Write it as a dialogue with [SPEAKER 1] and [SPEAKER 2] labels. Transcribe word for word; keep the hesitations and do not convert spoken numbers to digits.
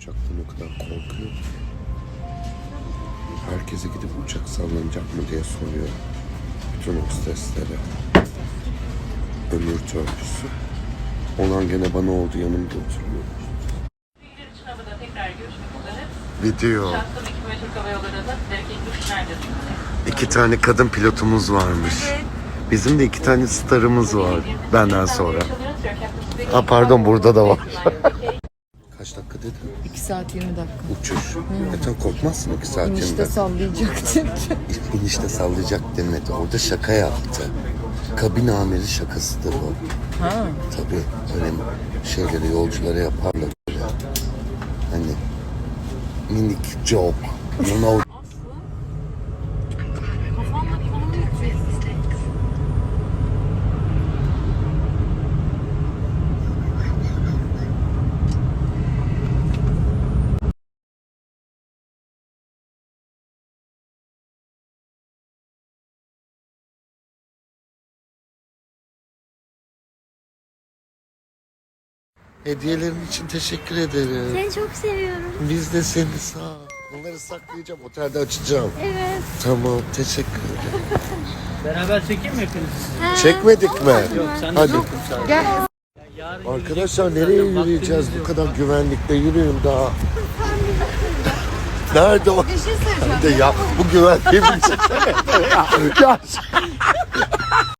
[SPEAKER 1] uçaktan o kadar korkuyor ki. Herkese gidip uçak sallanacak mı diye soruyor. Bütün hosteslere. Ömür törpüsü. Olan gene bana oldu, yanımda oturuyor. Video. İki tane kadın pilotumuz varmış. Bizim de iki tane starımız var benden sonra. Ha pardon, burada da var. Kaç dakika dedin?
[SPEAKER 2] iki saat yirmi dakika.
[SPEAKER 1] Uçuş. Hmm. Zaten korkmazsın iki saat yirmi
[SPEAKER 2] İnişte
[SPEAKER 1] dakika.
[SPEAKER 2] sallayacaktın.
[SPEAKER 1] İnişte sallayacak demedi. Orada şaka yaptı. Kabin amiri şakasıdır o.
[SPEAKER 2] Ha.
[SPEAKER 1] Tabii öyle şeyleri yolculara yaparlar böyle. Hani minik joke. You know. Hediyelerin için teşekkür ederim.
[SPEAKER 3] Seni çok seviyorum.
[SPEAKER 1] Biz de seni sağ ol. Bunları saklayacağım, otelde açacağım.
[SPEAKER 3] Evet.
[SPEAKER 1] Tamam, teşekkür ederim.
[SPEAKER 4] Beraber çekeyim mi hepinizi?
[SPEAKER 3] Ha,
[SPEAKER 1] Çekmedik mi?
[SPEAKER 4] Yok sen de
[SPEAKER 1] Hadi.
[SPEAKER 4] yokum sadece.
[SPEAKER 2] Gel.
[SPEAKER 4] Yarın
[SPEAKER 1] Arkadaşlar
[SPEAKER 4] yürüyecek
[SPEAKER 1] nereye
[SPEAKER 4] zaten,
[SPEAKER 1] yürüyeceğiz
[SPEAKER 4] vaktimiz
[SPEAKER 1] bu
[SPEAKER 4] yok.
[SPEAKER 1] kadar güvenlikle, yürüyün daha. Nerede o?
[SPEAKER 2] Bir şey söyleyeceğim.
[SPEAKER 1] De ya bu güvenliği bir ya.